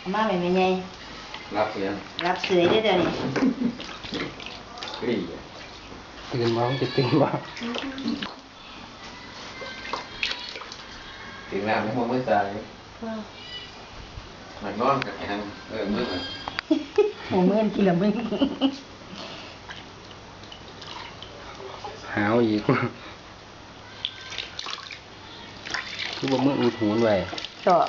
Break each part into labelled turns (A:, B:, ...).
A: มาไม่ไง
B: รับเสียง
A: รับเสือได้เดี๋ยวนี้
C: ตื่นมาจะตื่นมา
B: ถึงน้ำไม่มองไม่ใจมันนอนกับแอนมืด
A: หัวมืดกี่ละมึง
C: หาวอีกคือว่ามืออุดหูไว้
A: ชอบ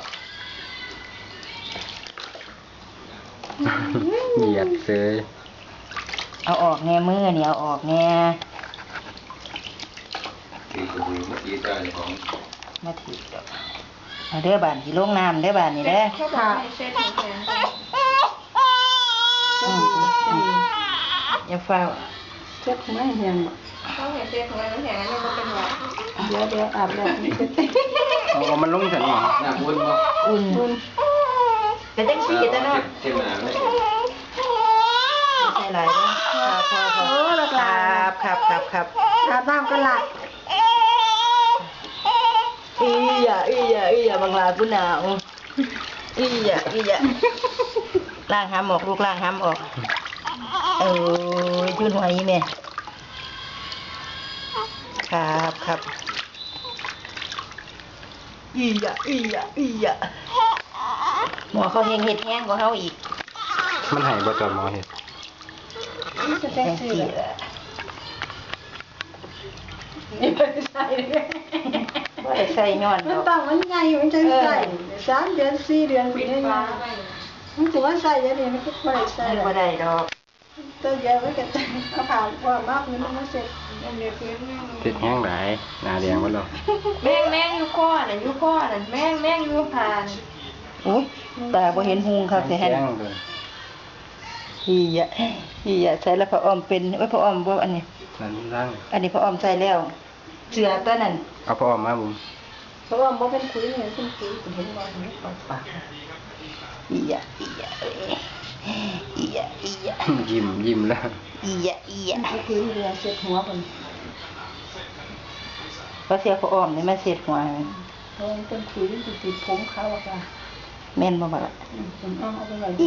C: เหยียดเซย
A: เอาออกแง่มือเนี่ยเอาออกแง่
B: ตีกระหูเมื่อกี้ใจของ
A: มาถีบเอาเด้อบานที่ลงน้ำเด้อบานนี่เด้อค่ะอย่าเฝ้า
D: เช็ดไม่แห้ง
E: เขาเห็นเตี้ยของเราแห้งอันนี้มันเป็นหวัด
D: เดี๋ยวอาบแล้ว
C: เอามันลงฉันหรอ
B: หน้าอุ่นมั้ง
A: อุ่นแต่จังสีแต่เนาะ
B: เต็มหนาเลย
A: ใช่ไรเด้อครับ
D: อาบน้ำก็หลับ
A: อีอย่าบางลาผู้หนาวอีอย่าล้างห้ำออกลูกล้างห้ำออกยุ่นหัวอีแม่ครับอีอย่าหมอเขาเห็ดแห้งกว่าเขาอีก
C: มันหายบ่จอดหมอเห็ด
D: แห้งสี
A: ใส่ย้อน
D: มันต้องมันใหญ่มันจะใส่3 เดือน 4 เดือนปีนี้มันถือว่าใส่เดี๋ยวนี้มันก็ไม่ได้ใส่
A: ไม่ได้ดอก
D: ตัวเดียวไว้กันเอาผ่าว่ามากนี่มันเสร็จ
C: ติดแห้งหลายหน้าแดงหมดแล้ว
E: แม่งอยู่ข้อน่ะแม่งอยู่ผ่าน
A: อุ้ยตาบ่เห็นหุงครับสิฮะอีอย่าใส่แล้วพระอ้อมเป็นพระอ้อมบ่อันนี้
C: นั่นร่าง
A: อันนี้พระอ้อมใส่แล้วเสือตัวนั้น
C: เอาพระอ้อมมาบุ๋ม
D: เพราะว่าบ่เป็นคุยเหมือนเป็นคุยเห็นบ่เห็นปาก
A: อีอย่า
C: ยิ้มแล้ว
A: อีอย่า
D: คุยเรือเสร็จหัวมัน
A: เพราะเสียพระอ้อมนี่มันเสร็จหัว
D: มันเป็นคุยที่ติดผมเขาอะค่ะ
A: แม่นบ่ล่ะอี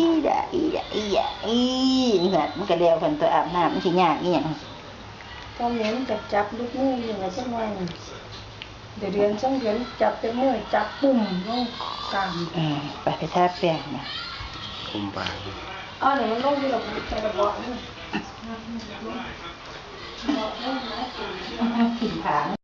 A: หัดมันก็แล้วเพิ่นตัวอาบน้ำมันสิยากอีหยัง
D: ตอนนี้มันจับลูกมืออยู่ว่าจังไงเดือน2 เดือนจับแต่มือจับปุ่มลงกลาง
A: ไปทาแป้งนะ
C: คุมปาก
D: เนี่ยมันลงที่เราใส่กระบอกนี่
A: ถิ่นผาง